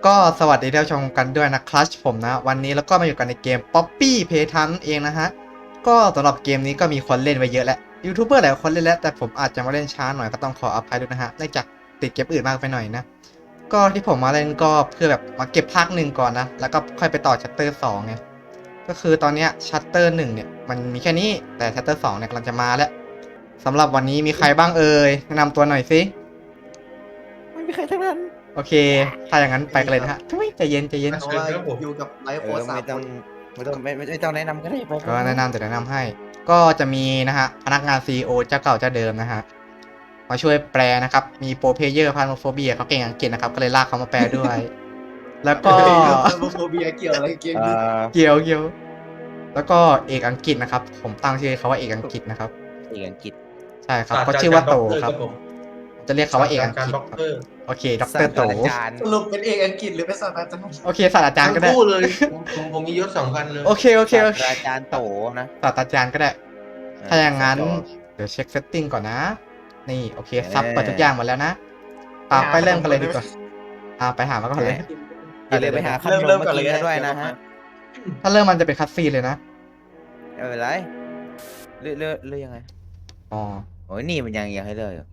ก็สวัสดีท่านผู้ชมกันด้วยนะครับผมนะวันนี้แล้วก็มาอยู่กันในเกม Poppy Playtime เองนะฮะก็สำหรับเกมนี้ก็มีคนเล่นไว้เยอะแล้วยูทูบเบอร์หลายคนเล่นแล้วแต่ผมอาจจะมาเล่นช้าหน่อยก็ต้องขออภัยด้วยนะฮะเนื่องจากติดเกมอื่นมากไปหน่อยนะก็ที่ผมมาเล่นก็เพื่อแบบมาเก็บภาคหนึ่งก่อนนะแล้วก็ค่อยไปต่อชัตเตอร์2ไงก็คือตอนเนี้ยชัตเตอร์1เนี่ยมันมีแค่นี้แต่ชัตเตอร์2เนี่ยกำลังจะมาแล้วสำหรับวันนี้มีใครบ้างเอ่ยแนะนำตัวหน่อยสิไม่มีใครทั้งนั้นโอเคถ้าอย่างนั้นไปกันเลยนะฮะทุยใจเย็นใจเย็นเพราะว่าอยู่กับไลฟ์โค้ชสามคนไม่ต้องแนะนำก็ได้ไปก็แนะนำแต่แนะนำให้ ก็จะมีนะฮะพนักงาน CEO เจ้าเก่าเจ้าเดิมนะฮะมาช่วยแปลนะครับ มีโปรเพลเยอร์พาโนโฟเบียเขาเก่งอังกฤษนะครับ ก็เลยลากเขามาแปลด้วย แล้วก็โมเบียเกี่ยวอะไรเกมนี้เกี่ยวเกี่ยวแล้วก็เอกอังกฤษนะครับ ผมตั้งชื่อเขาว่าเอกอังกฤษนะครับเอกอังกฤษใช่ครับเขาชื่อว่าโตครับจะเรียกเขาว่าเอกอังกฤษครับโอเคด็อกเตอร์โตสรุปเป็นเอกอังกฤษหรือเป็นศาสตราจารย์โอเคศาสตราจารย์ก็ได้ทั้งคู่เลยผมมียศ2,000เลยโอเคโอเคโอเคศาสตราจารย์โตนะศาสตราจารย์ก็ได้ ถ้าอย่างนั้นเดี๋ยวเช็คเซตติ้งก่อนนะ นี่โอเคซับเปิดทุกอย่างหมดแล้วนะไปเริ่มกันเลยดีกว่าไปหามาก่อนเลยอย่าลืมไปหาขนมมากินกันด้วยนะฮะถ้าเริ่มมันจะเป็นคัตซีนเลยนะไม่เป็นไรเลือกยังไงอ๋อโอ้ยนี่มันยังให้เลือกอยู่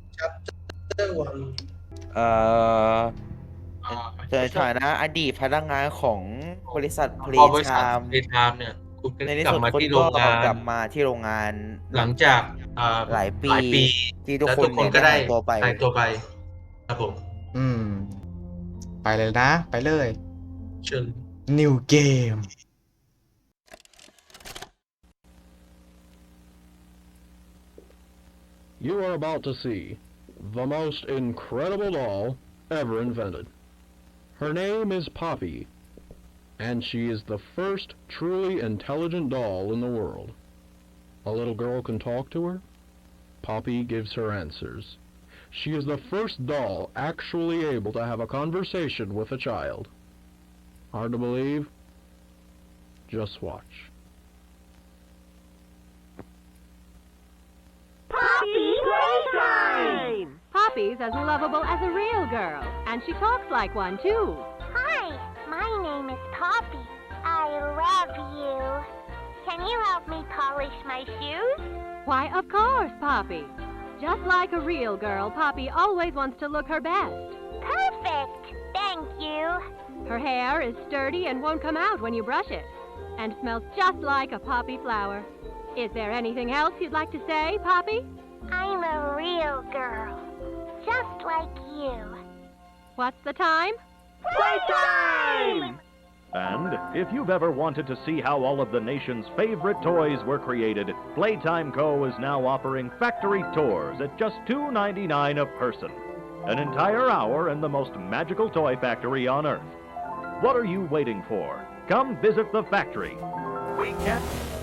เอ่อในฐานะอดีตพนักงานของบริษัทเพลย์ไทม์เนี่ยคุณในที่กลัสุบดมาคุณที่โรก็งงานกลับมาที่โรงงานหลังจากหลายปีที่ทุกแล้วคนทุกคนก็ได้หายตัวไปครับผมไปเลยนะ ไปเลยเชิญ New Game You are about to see the most incredible doll ever invented. Her name is Poppy, and she is the first truly intelligent doll in the world. A little girl can talk to her. Poppy gives her answers. She is the first doll actually able to have a conversation with a child. Hard to believe? Just watch. Poppy's Playtime! Poppy's as lovable as a real girl, and she talks like one too. Hi, my name is Poppy. I love you. Can you help me polish my shoes? Why, of course, Poppy. Just like a real girl, Poppy always wants to look her best. Perfect. Thank you. Her hair is sturdy and won't come out when you brush it, and smells just like a poppy flower. Is there anything else you'd like to say, Poppy? I'm a real girl. Just like you. What's the time? Playtime! And if you've ever wanted to see how all of the nation's favorite toys were created, Playtime Co. is now offering factory tours at just $2.99 a person. An entire hour in the most magical toy factory on Earth. What are you waiting for? Come visit the factory. We can...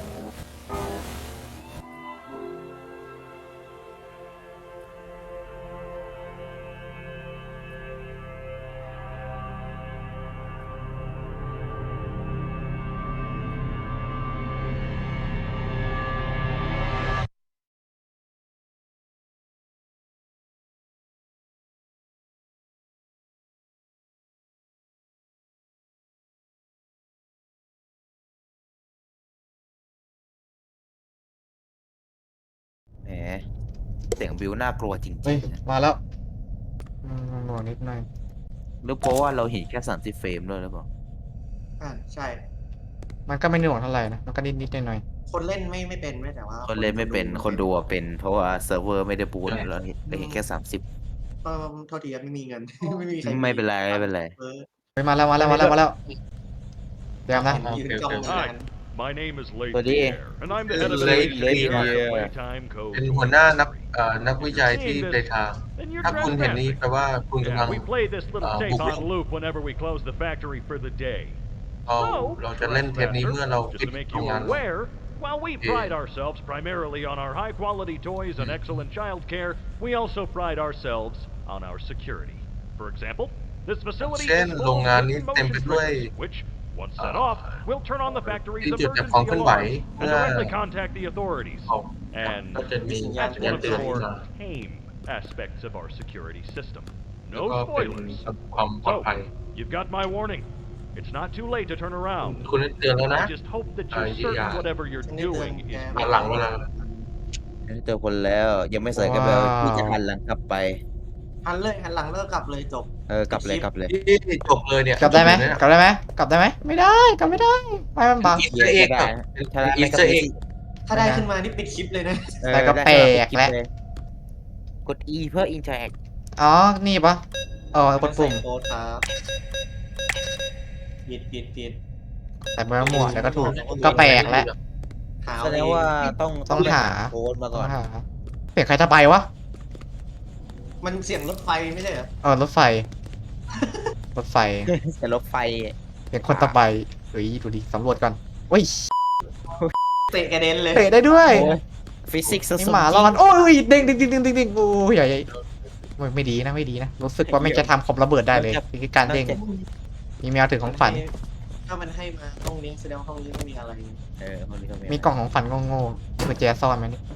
แหมเสียงบิวน่ากลัวจริงเฮ้ยๆมาแล้วหน่วงนิดหน่อยหรือเพราะว่าเราเห็นแค่30 เฟรมด้วยหรือเปล่าใช่มันก็ไม่หน่วงเท่าไหร่นะ มันก็นิดหน่อยคนเล่นไม่เป็นไม่แต่ว่าคนเล่นไม่เป็นคนดูเป็นเพราะว่าเซิร์ฟเวอร์ไม่ได้บูตเราเห็นแค่30 โทษทีครับไม่มีเงิน ไม่มีใครไม่เป็นไรไม่เป็นไรไปมาแล้วเดี๋ยวนะยืนจ้องนาน My name is Late Buddy. Pierre, and I'm the head of the Late engineering Pierre. at Playtime Co. เป็นหัวหน้านักวิจัยที่เพลย์ไทม์ Then you're ถ้าคุณเห็นนี้ trespassing. แปลว่าคุณกำลัง Yeah, we play this little tape buộc on loop whenever we close the factory for the day. เราจะเล่นเทปนี้เมื่อเรา Just ปิด to make โรง you งาน aware, while we pride ourselves primarily on our high-quality toys and excellent child care, we also pride ourselves on our security. For example, this facility เช่น is โรง full งาน of นี้ hidden เต็มไป motion ด้วย triggers, which, once set off, will turn on the factory's ที่จุดจับ emergency ความเคลื่อนไหว alarm เพื่ and อ directly contact the authorities. ก็ And จะมี that's ยั one น of เตื the อนขึ้น more มา tame aspects of our security system. แล้ว No ก็เป็น spoilers. ความปลอดภัย You've got my warning. It's not too late to turn around. คุณได้เตือนแล้วนะ I just hope that you're certain whatever you're doing is หันหลังเวลาเจอคนแล้วยังไม่ใส่กันไปที่จะหันหลังกลับไปหันหลังแล้วก็กลับเลยจบกลับเลยกลับเลยที่จบเลยเนี่ยกลับได้ไหมกลับได้ไหมกลับได้ไหมไม่ได้กลับไม่ได้ไฟมันบังอีสเตอร์เอ็กซ์อีสเตอร์เอ็กซ์ถ้าได้ขึ้นมานี่ปิดคลิปเลยนะแต่ก็แปลกแล้วกด E เพื่อ interact อ๋อนี่ปะอ๋อกดปุ่มใส่โค้ดครับผิดแต่เมื่อมั่วแล้วก็ถูกก็แปลกแล้วหาแสดงว่าต้องต้องหาโค้ดมาก่อนเปลี่ยนใครตะไบวะมันเสียงรถไฟไม่ใช่เหรอรถไฟ รถไฟแต่รถไฟเปลี่ยนคนตะไบเฮ้ยดูดิสำรวจก่อนเฮ้ยเตะกระเด็นเลยเตะได้ด้วยฟิสิกส์นี่หมารอดโอ้ยเด้งโอ้ยใหญ่ไม่ดีนะรู้สึกว่าไม่จะทำคอมระเบิดได้เลยคือการเด้งมีแมวถือของฝันถ้ามันให้มาห้องนี้แสดงว่าห้องนี้ต้องมีอะไรห้องนี้ก็มีกล่องของฝันโง่ๆกุญแจซ่อนไหมนี่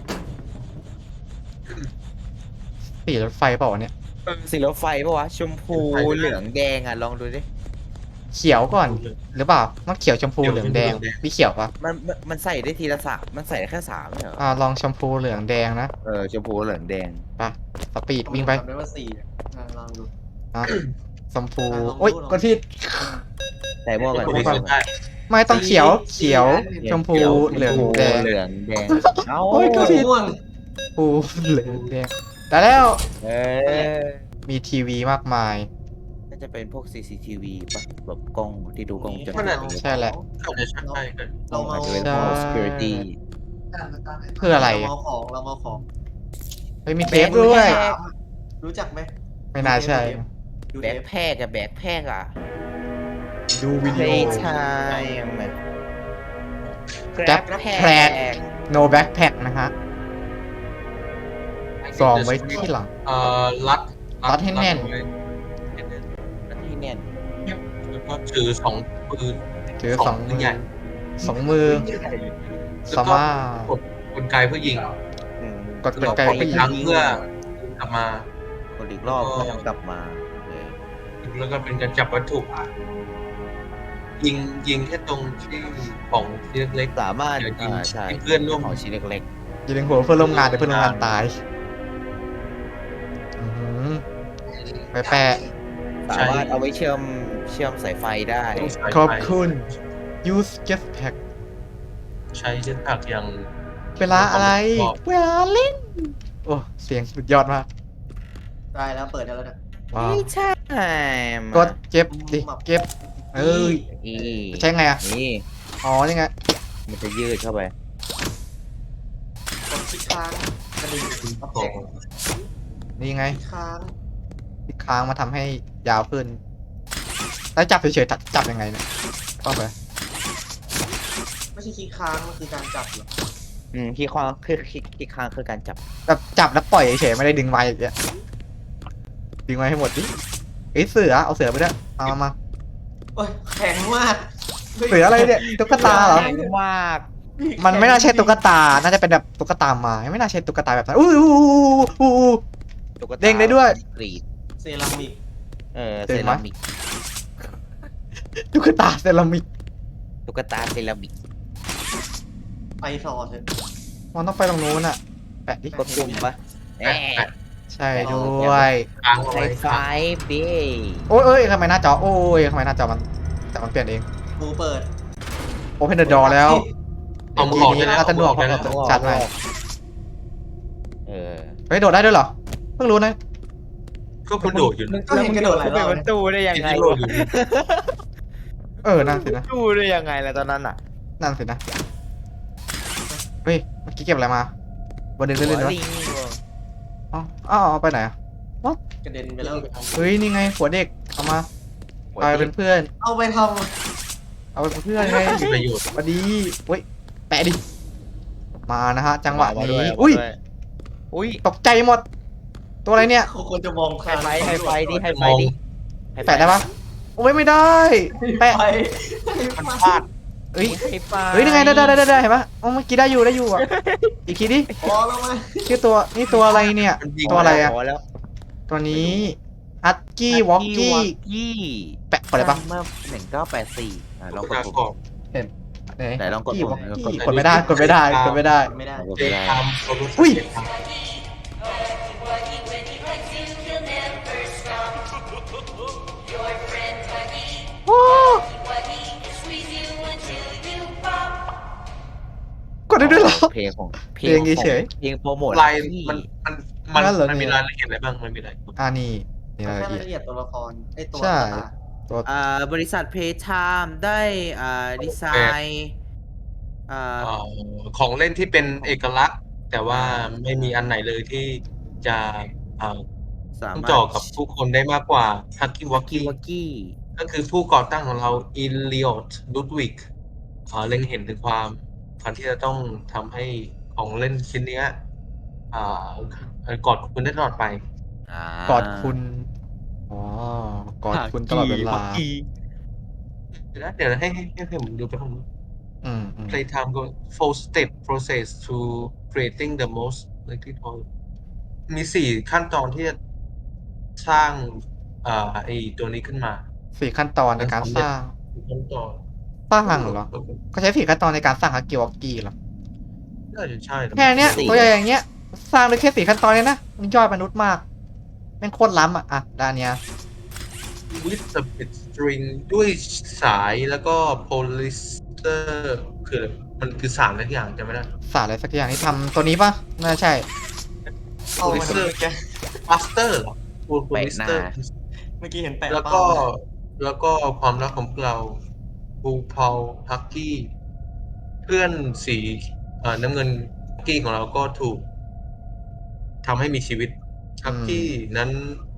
สีรถไฟเปล่าวะเนี่ยสีรถไฟปะวะชมพูเหลืองแดงอ่ะลองดูดิเขียวก่อนหรือเปล่ามันเขียวชมพูเหลืองแดงพี่เขียวปะมันใส่ได้ทีละสามมันใส่ได้แค่3เหรอลองชมพูเหลืองแดงนะชมพูเหลืองแดงไปสปีดวิ่งไปจำได้ว่า4ลองดูชมพูโอ๊ยกดผิดใส่หม้อกันไม่ได้ไม่ต้องเขียวชมพูเหลืองแดงเหลืองแดงเอ้าโอ้ยก็ผิดม่วงชมพูเหลืองแดงได้แล้วเออมีทีวีมากมายน่าจะเป็นพวก CCTV ปะแบบกล้องที่ดูกล้องวงจรใช่แหละอาจจะใช่กันเราเมาอาจจะเป็นพวก security เพื่ออะไรเราเมาของเฮ้ยมีเทปด้วยรู้จักไหมไม่น่าใช่ดูแบเทกปแพกอะแบกแพกอะดูวิดีโอ Playtime แก๊ปแพร no backpack นะฮะซองไว้ที่หลังรัดรัดให้แน่นที่แน่นแล้วก็ถือ2 ปืนถือสองมือใหญ่มือแล้วสาก็มารถกดกลไกเพื่อยิงกดเป็นไกลอีผู้กหญิครั้งงเพื่อกลับมาคนอีกรอบก็ทำกลับมาแล้วก็เป็นการจับวัตถุยิงแค่ตรงที่ของที่เล็กสามารถเดี๋ยวยิงใช่ให้เพื่อนร่วมของชิ้นเล็กยิงหัวเพื่อนร่วมงานแต่เพื่อนร่วมงานตายอื้อหือไปแปะๆสามารถเอาไว้เชื่อมสายไฟได้ขอบคุณ use jetpack ใช้เจ็ตแพ็กอย่างเวลาอะไร เวลาเล่น โอ้เสียงสุดยอดมากได้แล้วเปิดได้แล้วนะว้าวใช่กดเก็บดิเก็บเอ้ยนี่ใช้ไงอ่ะนี่อ๋อยังไงมันจะยืดเข้าไปกดคลิกค้างกระดิ่งอัปขอเดงตนี่ไงค้างที่ค้างมาทำให้ยาวขึ้นแล้วจับเฉยๆจับยังไงเนี่ยต้องไปไม่ใช่คลิกค้างมันคือการจับเหรอคีย์ค้างคีย์ค้างคือการจับแบบจับแล้วปล่อยเฉยๆไม่ได้ดึงไว้อย่างเงี้ยดึงไว้ให้หมดดิเอ้ยเสือเอาเสือไปด้วยมาโอ้ยแข็งมากเสืออะไรเนี่ยตุ๊กตาเหรอแข็งมากมันไม่น่าใช่ตุ๊กตา น่าจะเป็นแบบตุ๊กตาไม้ไม่น่าใช่ตุ๊กตาแบบนั้นอู้ตุ๊กตาเด้งได้ด้วยกรีดเซรามิกเซรามิกตุ๊กตาเซรามิกตุ๊กตาเซรามิกไปต่อเถอะมันต้องไปตรงนู้นอ่ะแปะดิกดปุ่มปะแปะแปะใช่ด้วยค้างเอาไฮไว้ไฟเบ้โอ้ยเอ้ยทำไมหน้าจอโอ้ยทำไมหน้าจอมันเปลี่ยนเองดูเปิด Open the door แล้วเอามือออกได้แล้วน่าจะหนวกเอามือออกได้เพแล้วราะชัดเลยเเฮ้ยโดดได้ด้วยเหรอเพิ่งรู้นะก็กระโดดอยู่ก็เห็นกระโดดหลายรอบประตูได้ยังไงกระโดดอยู่นั่นสินะดูได้ยังไงล่ะตอนนั้นอ่ะนั่นสินะเฮ้ยเมื่อกี้เก็บอะไรมาบนดึงเล่นๆวะลิงอ๋อเอาไปไหนอ่ะกระเด็นไปแล้วเฮ้ยนี่ไงหัวเด็กเอามาเอาไปเป็นเพื่อนเอาไปทเอาไปเป็นเพื่อนไงมีประโยชน์สวัสดีเฮ้ยแปะดิมานะฮะจังหวะมานี้ด้วยอุ้ยตกใจหมด ตัวอะไรเนี่ยำเขาควรจะมองไฮไฟดิไฮไฟดิแปะได้ปะโอ้ยไม่ได้ แปะไปมันพลาดเฮ้ยไฮไฟเฮ้ยยังไงได้เห็นปะโอ้เมื่อกี้ได้อยู่อ่ะอีกทีดิพอแล้วไหมชื่อตัวนี่ตัวอะไรเนี่ยมันยิงตัวอะไรอ่ะพแล้วตัวนี้ฮัตกี้วอกกี้กี้แปะกดอะไรปะเมื่อ1984ลองกดการปุ่มกรอบไหนลองกดกี้ปุ่วมอกกี้กดไม่ได้กดไม่ได้กดไม่ได้ไม่ได้กดเจไม่ได้ทามโซลูชันอุ้ย โอ้กดได้ด้วยเหรอเพลงของเพลงเฉยเพลงโปรโมทลายที่นั่นเหรอมันมีเนี่ยรายละเอียดอะไรบ้างมันมีอะไรนี่รายแค่ละเอียดรายละเอียดตัวละครไอตัวใช่ตัวตัวบริษัทเพย์ไทม์ได้ดีไซน์ของเล่นที่เป็นเอกลักษณ์ แต่ว่าไม่มีอันไหนเลยที่จะสาต้องมารถจ่อกับผู้คนได้มากกว่าฮักกี้วอกกิกี้วากี้ก็คือผู้ก่อตั้งของเราอินเลียดลุดวิกเล็งเห็นถึงความที่จะต้องทำให้ของเล่นชิ้นเนี้ยกอดคุณได้ตลอดไปกอดคุณ อ๋อกอดคุณตลอดเวลาเดี๋ยวให้ผมดูไปผมอืม Playtime go 4-step process to creating the most likely toy มี4 ขั้นตอนที่จะสร้างไอตัวนี้ขึ้นมา 4 ขั้นตอนในการสร้างขั้นตอนสร้างเหรอ ก็ใช้4 ขั้นตอนในการสร้างฮักกี้วอกกี้เหรอน่าจะใช่นะแค่เนี้ยตัวอย่างเงี้ย สร้างได้แค่4 ขั้นตอนเนี่ยนะมันย่อยมนุษย์มากแม่งโคตรล้ำอ่ะด้านเนี้ย with the bit string ด้วยสายแล้วก็โพลิสเตอร์คืออะไรมันคือสารอะไรอย่างจำไม่ได้สารอะไรสักอย่างที่ทำตัวนี้ปะน่าใช่โพลิสเตอร์มาสเตอร์เหรอโพลิสเตอร์เมื่อกี้เห็นแปะแล้วเป้าก็แล้วก็ความรักของเราบูพาวฮักกี้เพื่อนสีน้ำเงินฮักกี้ของเราก็ถูกทำให้มีชีวิตฮักกี้นั้น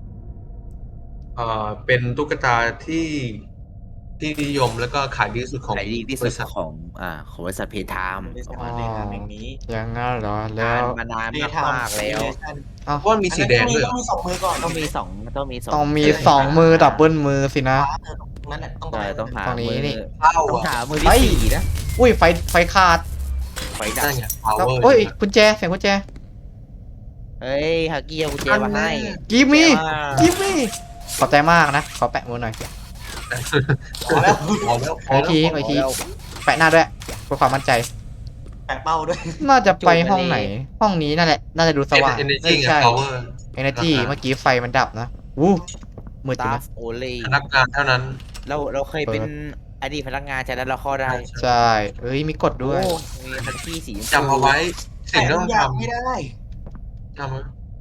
เป็นตุ๊กตาที่นิยมแล้วก็ขายดีที่สุดของขายดีที่บสุดริษัทของบริษัทเพย์ไทม์บริษัทในทางแห่งนี้อย่างงั้นเหรอแล้วมานานมากๆแล้วเพราะมันมีสีแดงด้วยเหรอต้องมี2 มือก่อนต้องมีสองต้องมี2 มือดับเบิลมือสินะนั่นแหละต้องใช่ต้องหาตรงนี้มือนี่เข้าต้องอ่ะหามือที่สี่นะอุ้ยไฟขาดไฟดันั่บนไงแล้ว power โอ้ยกุญแจเสียงกุญแจเฮ้ยฮักกี้เอากุญแจมาให้กิมมี่แต่ว่ากิมมี่ขอบใจมากนะขอแปะมือหน่อยพอแล้วพอแล้วอีกทีอีกทีแปะหน้าด้วยเพื่อความมั่นใจแปะเป้าด้วยน่าจะไปห้องไหน ห้องนี้นั่นแหละน่าจะดูสว่างเอเนจีใช่ power energy เมื่อกี้ไฟมันดับนะวู้มืดจริงตานะฟโอเล่พนักงานเท่านั้นเราเคยเป็นอดีตพนักงานจากนั้นเราเข้าได้ใช่เอ้ยมีกดด้วยโอ้มีฮักกี้สีชมพูจำเอาไว้สิ่งที่ต้องแปะทุกย่ไม่ทำได้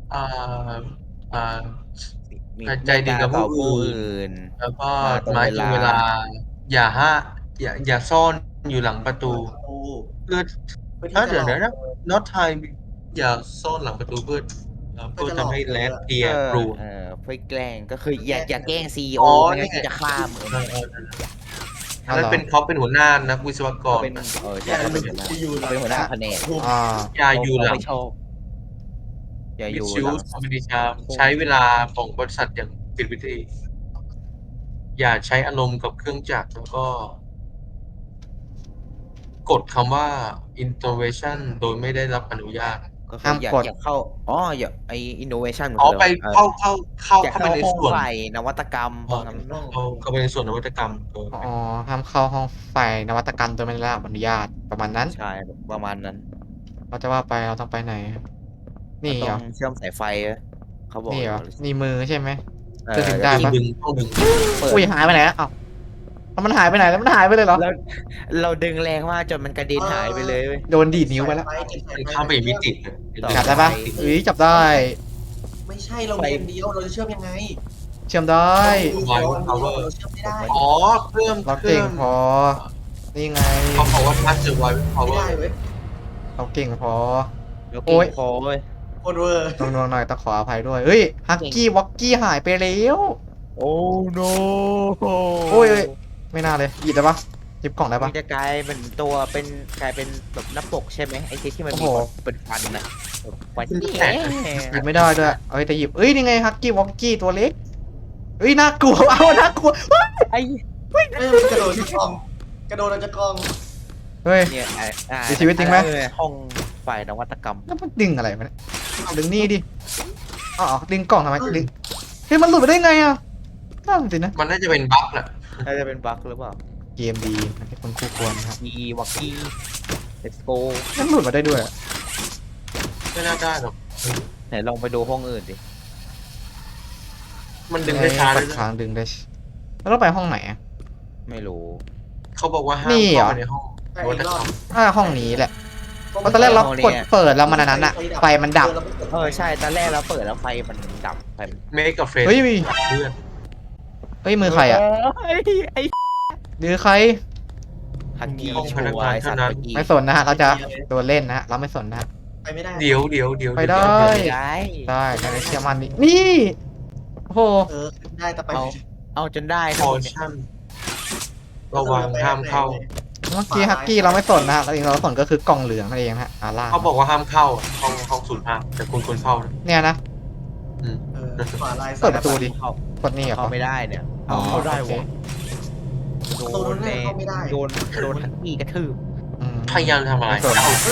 มีใจดีกับผู้อื่นอื่นแล้วก็ตรงไม้ตรงเวลา อย่าซ่อนอยู่หลังประตู เพื่อเพื่อที่จะเดี๋ยวหลอกนะ not time อย่าซ่อนหลังประตูเพื่อทำให้แลดเพียร์รูเพื่อแกล้งก็คืออย่าแกล้งซีอ๋โออไม่งั้นนี่ไงจะฆ่ามึงอันนั้นเป็นเขาเป็นหัวหน้านักวิศวกเขารเป็นจะเป็นหัวหน้าที่อยู่เขาเป็นหัวหน้าแผนกอ่าอย่าอยู่หลังไม่ชอบอย่าอมิยู่ชิหวลังสมิดิชาใช้เวลาของบริษัทอย่างผิดวิธี อย่าใช้อารมณ์กับเครื่องจักรแล้วก็ กดคำว่า intervention โดยไม่ได้รับอนุญาตก็คืออย่าเข้าอย่าไอ innovation ไปเข้าอย่าไปเข้าในห้องส่วนไฟนวัตกรรมพวกนั้นเข้าไปในส่วนนวัตกรรมอ๋อห้ามเข้าห้องไฟนวัตกรรมโดยไม่ได้รับอนุญาตประมาณนั้นใช่ประมาณนั้นเราจะว่าไปเราต้องไปไหน นี่เหรต้อองเชื่อมสายไฟเขาบอกนี่เหรอนี่มือใช่ไหมเออจะถึงได้ต้องดึงเปิดอุ้ยหายไปไหนแล้วเอ้าแล้วมันหายไปไหนแล้วมันหายไปเลยเหรอแล้วเราดึงแรงมากจนมันกระเด็นหายไปเลยเว้ยโดนดีดนิ้วไปแล้วข้ามไปอีกมิติจับได้ปะอุ้ยจับได้ไม่ใช่เรามีอันเดียวเราจะเชื่อมยังไงเชื่อมได้เราเชื่อมไม่ได้อ๋อเพิ่มเราเก่งพอ นี่ไงเขาบอกว่าพัชเจอร์ไวท์ไม่ power ได้เว้ยเราเก่งพอแล้วโอ๊กิยนคอเว้ยโคตรเวอร์ตรงๆหน่อยต้องขออภัยด้วย เฮ้ย ฮักกี้วอกกี้หายไปแล้วโอ้ no โอ้ย ไม่น่าเลย หยิบได้ปะหยิบกล่องได้ปะมันจะกลายเป็นตัวเป็นกลายเป็นแบบหน้าปกใช่ไหมไอ้ที่มันมีโอ้โหเป็นฟันน่ะฟันหยิบไม่ได้ด้วยเอ้ยแต่หยิบเอ้ย นี่ไง ฮักกี้วอกกี้ตัวเล็กเอ้ย น่ากลัว เอาน่ากลัวไอ้ไม่กระโดดจากกล่องกระโดดจากกล่องเฮ้ยเนี่ยมีชีวิตจริงไหมห้องฝ่ายนวัตกรรมแล้วมันดึงอะไรมาเนี่ยเอาดึงนี่ดิอ๋อดึงกล่องทำไมดึงฮ้ยมันหลุดไปได้ไงอ่ะนั่นสินะมันน่าจะเป็นบั๊กแหละน่าจะเป็นบั๊กหรือเปล่าเกมดีให้คนคู่ควรนะครับมีวักกี้ let's go มันหลุดมาได้ด้วยอะไม่น่าได้หรอกไหนลองไปดูห้องอื่นดิมันดึงได้ช้าเลปัยดนะค้างดึงได้แล้วเราไปห้องไหนอ่ะไม่รู้เขาบอกว่าห้ามนี่เหรอเข้าไปในห้องรถนะครับห้องนี้แหละเพราะตอนแรกเรากดเปิดแล้วมันอันนั้นอะไฟมันดับใช่ตอนแรกเราเปิดแล้วไฟมันดับไฟเมกกับเฟรนเฮ้ยเพื่อนเฮ้ยมือใครอ่ะไอ้มือใครฮักกี้ชัวร์ไอ้สัตว์เมื่อกี้ไม่สนนะฮะเราจะโดนเล่นนะฮะเราไม่สนนะฮะไปไม่ได้เดี๋ยวไปได้ไม่ได้ได้ในเชื่อมันนี่โอ้โหได้แต่ไปเอาจนได้พอชั่นระวังห้ามเข้าเมื่อกี้ฮักกี้เราไม่สนนะฮะเราเองเราสนก็คือกล่องเหลืองนั่นเองนะฮะล่าเขาบอกว่าห้ามเข้าอะห้อง05แต่คุณควรเข้านะเนี่ยนะขวาลายเปิดประตูดิเข้ากดนี่เหรอเข้าไม่ได้เนี่ยอ๋อเข้าได้โอเควะโดนแน่โดนฮักกี้กระทืบอืมพยายามทำอะไรไม่สนเอ้า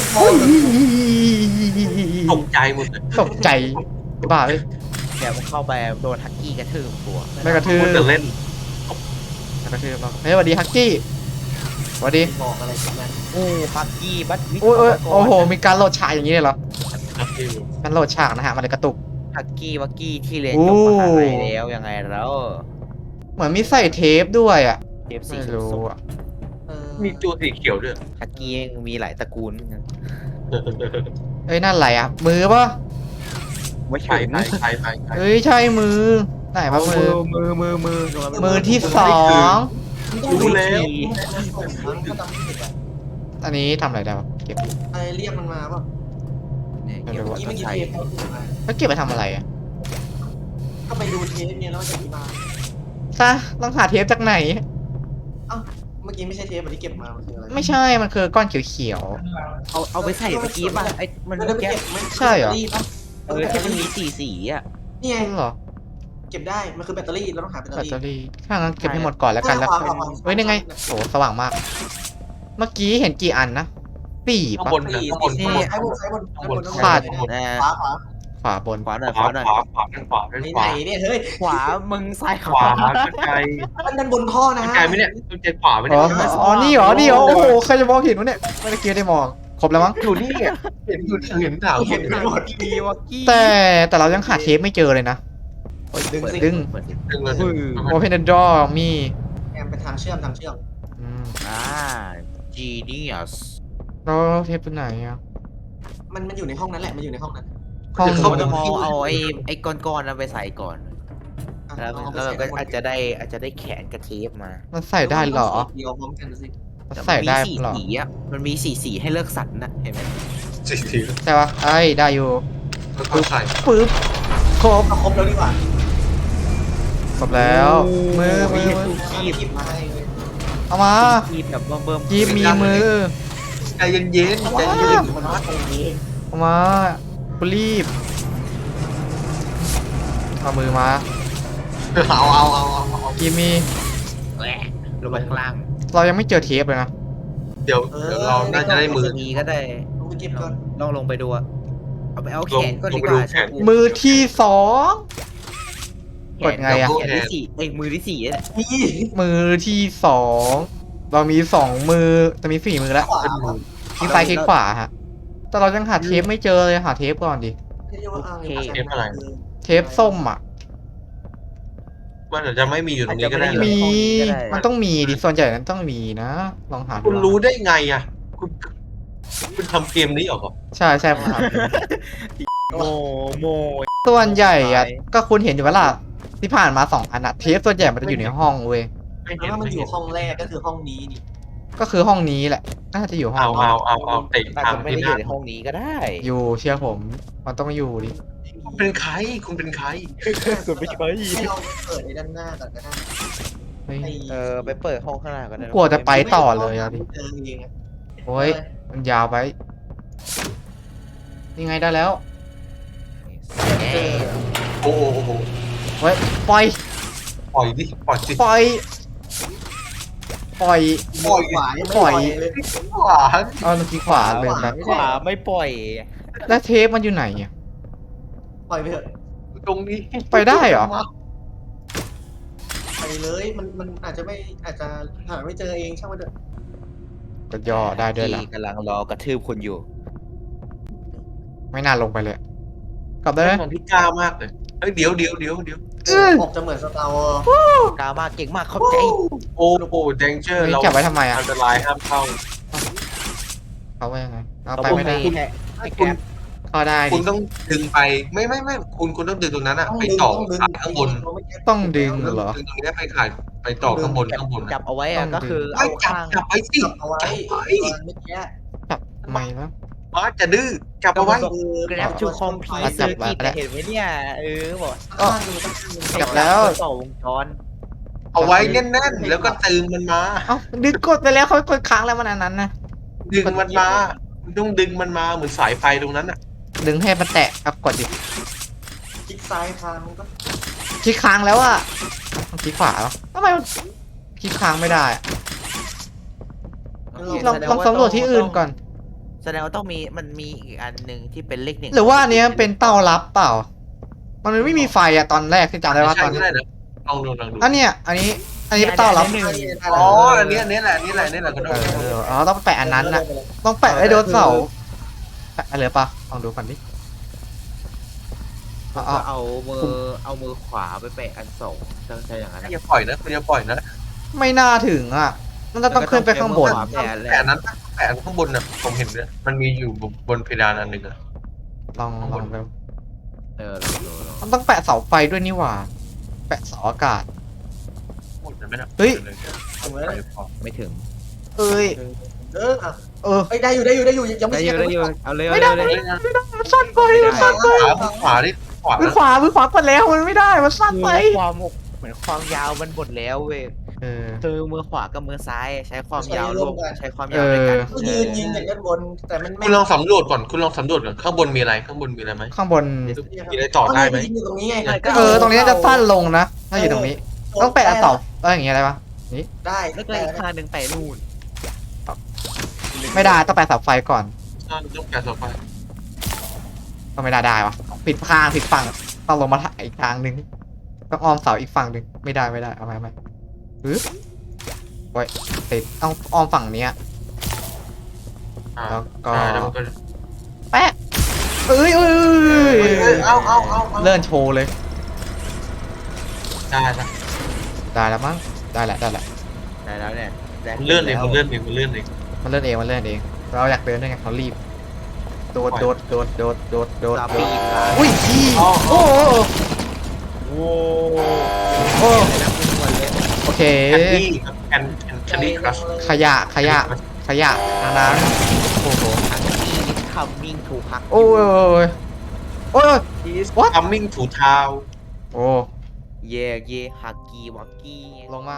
ตกใจหมดเลยตกใจบ้าเลยเดี๋ยวมันเข้าไปโดนฮักกี้กระทืบตัวไม่กระทืบคุณจะเล่นไม่กระทืบหรอกเฮ้ยสวัสดีฮักกี้สวัสดีบอกอะไรกันนั้นโอ้ฮักกี้บัตวิโอ้ยโอ้โหมีการโหลดฉากอย่างนี้เลยเหรอครับพี่มันโหลดฉากนะฮะมันเลยกระตุกฮักกี้วักกี้ที่เรียนโอ้จบมหาลัยแล้วยังไงแล้วเหมือนมีใส่เทปด้วยอ่ะเทปสีไม่ส้รู้มอ่ะมีตัวสีเขียวด้วยฮักกี้มีหลายตระกูลเอ้ยนั่นอะไรอ่ะมือปะไม่ไปถึงไปเอ้ยใช่มือไหนปะมือ มือที่สองรู้แล้วก็จำไม่ผิดอ่ะอันนี้ทำอะไรได้ปะเก็บอะไรเรียกมันมาป่ะเนี่ยไม่เก็บรู้เมื่อกี้ใส่เทปเขาถือมาแล้วเก็บไปทำอะไรอ่ะก็ไปดูเทปเนี่ยแล้วจะมีมาซะต้องหาเทปจากไหนเมื่อกี้ไม่ใช่เทปที่เก็บมามันคืออะไรไม่ใช่มันคือก้อนเขียวเอาไปใส่เมื่อกี้ป่ะไอ้มันไม่ได้ไปแก้เก็บใช่เหรอที่มันมีสีอ่ะนี่ๆไงนั่นเหรอเก็บได้มันคือแบตเตอรี่เราต้องหาแบตเตอแบตรี่เตอรี่ถ้างั้นเก็บให้หมดก่อนแล้วกันแล้วค่อยเฮ้ยนี่ไงโอ้สว่างมาก เมื่อกี้เห็นกี่อันนะสี่ข้างปะบนนะข้างบนซ้ายบนซ้ายบนข้างบนขาดนะขวาขวาขวาบนขวาหน่อยขวาหน่อยขวาด้านขวาด้านไหขวานเนี่ยเฮ้ยขวามึงซ้ายขขวาวาไกลด้านบนท่อนะไกลไหมเนี่ยต้องเจอขวาไหมอ๋เนี่อย อ๋อนี่เหรอนี่เหรอโอ้โหใครจะมองเห็นวะเนี่ยไม่ได้เกี่ยวได้มองครบแล้วมั้งอยู่นี่อะเห็นอยู่เห็นถามเห็นไปหมดมีวักกี้แต่เรายังหาเทปไม่เจอเลยนะดึงสิดึงเปิดสิดึงเลย Open the door มีแอมเป็นทางเชื่อมอืม genius แล้วเทปตัวไหนอ่ะมันอยู่ในห้องนั้นแหละมันอยู่ในห้องนั้นห้องเขานู้นจะมองเอาไอ้ก้อนๆนั้นไปใส่ก่อน แล้วเราก็อาจจะได้แขนกระเทปมามันใส่ได้เหรอเดียวพร้อมกันสิมันใส่ได้เหรอสีอ่ะมันมีสีให้เลือกสรรนะเห็นไหมสิทีใช่ปะไอ้ยได้อยู่แล้วก็ใส่ปึ๊บครบเอาครบแล้วดีกว่าครบแล้วมือคีบมาให้เลยเอามาคีบแบบเบิ่มยีบมีมือใจเย็นๆใจเย็นมันว่าตรงนี้เอามากูรีบเอามือมาๆเอายีมีแหวะลงไปข้างล่างเรายังไม่เจอเทปเลยนะเดี๋ยวเราน่าจะได้มือมีก็ได้ลงไปเก็บก่อนลองลงไปดูอะเอาไปเอาแขนก็ดีกลงไปดูว่าแขนมือที่สองแขนกดไงอะแขนที่สี่มือที่สี่เนี่ยนี่มือที่สองเรามีสองมือแต่มีสี่มือแล้วขวาคลิกซ้ายคลิกขวาฮะแต่เรายังหาเทปไม่เจอเลยหาเทปก่อนดิเรียกว่าอ้างเทปส้มอ่ะมันอาจจะไม่มีอยู่ตรงนี้ก็ได้อาจจะนะไได้มีอยู่ในห้องนี้ก็ได้มันต้องมีดิส่วนใหญ่นั้นต้องมีนะ ลองหาดูคุณรู้ได้ไงอ่ะคุณทำเกมนี้เหรอใช่ใช่ผมหาดูโมส่วนใหญ่อ่ะก็คุณเห็นอยู่ว่าล่ะที่ผ่านมาสองอันอะเทปส่วนใหญ่มันจะอยู่ในห้องเว้ยไม่แล้เห็นวมันไม่อเห็ยู่นห้องแรกก็คือห้องนี้นี่ก็คือห้องนี้แหละน่าจะอยู่ห้องนี้เอาเตะอาจทางจะไม่ที่ได้หอยู่น้าในห้องนี้ก็ได้อยู่เชื่อผมมันต้องอยู่ดิคุณเป็นใครคุณเป็นใครคุณไม่ใช่ให้เราเปิดในด้านหน้าก่อนก็ได้เฮ้ยไปเปิดห้องข้างหน้าก็ได้กลัวจะไปต่อเลยอะดิเจอจริงๆอะโอ้ยมันยาวไปนี่ไงได้แล้วเอ๊ะโอ้โหเฮ้ยปล่อยปล่อยดิปล่อยสิปล่อยปล่อยปล่อยขวายังไม่ปล่อยเลยขวานเอาเมื่อกี้ขวาเลยครับขวาไม่ปล่อยแล้วเทปมันอยู่ไหนอ่ะปล่อยไปเถอะตรงนี้ไปได้เหรอเลยมันอาจจะหาไม่เจอเองช่างมันเถอะก็ย่อได้ด้วยเหรอที่กำลังรอกระทืบคุณอยู่ไม่น่าลงไปเลย กลับได้เป็ไหมนของที่กล้ามากเลยเฮ้ยเดี๋ยวออกจะเหมือนสตาร์วอร์กล้ามากเก่งมากเข้าใจโอ้โหเดนเจอร์นี่เราเก็บไว้ทำไมอ่ะอันตรายห้ามเข้าเขาว่ายังไงเอาเราไปไม่ได้ให้ให้แก๊ปเข้าได้คุดิณต้องดึงไปไม่คุณต้องดึงตรงนั้นอะไปต่อขายข้างบนต้องดึงเหรอดึงตรงนี้ไปขายไปต่อข้างบนอะจับเอาไว้อะต้องก็คือไม่เอาจับข้างจับไปสิจับเอาไว้จับไปเมื่อกี้จับไม่นะอ๋อจะดื้อจับเอาไว้แกร็บทูคอมพีจัเซอบ ร์ไว้กิตแล้วเห็นไหมเนี่ยบอกจับแล้วต่อวงจรเอาไว้แน่นๆแล้วก็ตึงมันมาเอ้าดึงกดไปแล้วเขากดค้างแล้วมันอันนั้นนะดึงมันมาคุณต้องดึงมันมาเหมือนสายไฟตรงนั้นอะดึงให้มันแตะครับกดดิคลิกซ้ายทางก็คลิกค้างแล้วอ่ะคลิกขวาเหรอทำไมมันคลิกค้างไม่ได้อะลองสำรวจที่อื่นก่อนแสดงว่าต้องมีมันมีอีกอันหนึ่งที่เป็นเลขหนึ่งหรือว่าอันเนี้ยเป็นเต้ารับเปล่า มันไม่มีไฟอะตอนแรกที่จำได้ว่าใช่ตอนก็นี้ได้นะลองดูลองดูอันเนี้ยอันนี้เป็นเต้ารับหนึ่งอ๋ออันนี้แหละก็ได้อ๋อต้องแปะอันนั้นน่ะ ต้องแปะไอ้โดนเสาแปะอะไรปะลองดูก่อนดิอ๋อก็เอามือขวาไปแปะอันสองต้องใช้อย่างนั้นอย่าปล่อยนะคุณอย่าปล่อยนะไม่น่าถึงอ่ะ มันจะต้องขึ้นไปข้างบนแปะแต่อันนั้นแต่อันข้างบนน่ะผมเห็นเนี่ยมันมีอยู่บนเพดานอันหนึ่งอะลองดูลองมันต้องแปะเสาไฟด้วยนี่หว่า แปะเสาอากาศหมดไหมนะเฮ้ยไม่ถึงเอ้ยเออเออได้อยู่ยังไม่ได้อยู่เอาเลยไม่ได้เลยมันสั้นไปมันสั้นไปขวาดิขวามือขวากดแล้วมันไม่ได้ มันสั้นไปความเหมือนความยาวมันหมดแล้วเว้ยเออคือมือขวากับมือซ้ายใช้ความยาวรวมใช้ความยาวในการก็ยืนยิงอย่างด้านบนแต่มันไม่คุณลองสำรวจก่อนข้างบนมีอะไรข้างบนมีอะไรไหมข้างบนมีอะไรต่อได้ไหมยิงอยู่ตรงนี้ไงตรงนี้จะสั้นลงนะ ถ้าอยู่ตรงนี้ ต้องแปะเสาอย่างเงี้ยอะไรปะได้แล้วก็อีกข้างหนึ่งแปะนู่นไม่ได้ ต้องแปะเสาไฟก่อนต้องแกะต่อไปก็ไม่ได้วะผิดข้างผิดฝั่ง ต้องลงมาถ่ายอีกทางหนึ่งต้องอ้อมเสาอีกฝั่งหนึ่งไม่ได้เอาไหมโอ้ยติดเอาอ้อมฝั่งเนี้ย แล้วก็แล้วมันก็แปะเอ้ยเอาเลื่อนโชว์เลยได้ละได้แล้วมั้งได้แหละได้แล้วเนี่ยมันเลื่อนเองมันเลื่อนเอง เราอยากเดินด้วยไงเขารีบ โดดสาปีดอุ้ยพี่โอ้โอเคแคนดี้ครัชขยะทางน้ำโอ้โหคัมมิ่งถูกพักโอ้ย What? coming to town โอ้เย่ฮักกี้วักกี้ลงมา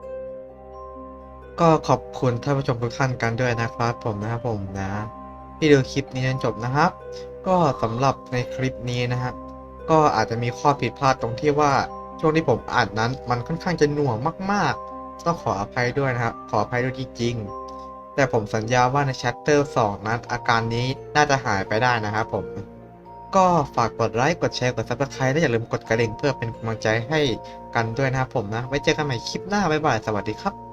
ก็ขอบคุณท่านผู้ชมทุกท่านกันด้วยนะครับผมนะที่ดูคลิปนี้จนจบนะครับ ก็สำหรับในคลิปนี้นะฮะก็อาจจะมีข้อผิดพลาดตรงที่ว่าช่วงที่ผมอ่านนั้นมันค่อนข้างจะหน่วงมากๆต้องขออภัยด้วยนะครับขออภัยด้วยจริงๆแต่ผมสัญญาว่าใน Chapter 2 นั้นอาการนี้น่าจะหายไปได้นะครับผมก็ฝากกดไลค์กดแชร์กด Subscribe และอย่าลืมกดกระดิ่งเพื่อเป็นกำลังใจให้กันด้วยนะครับผมนะไว้เจอกันใหม่คลิปหน้าบ๊ายบายสวัสดีครับ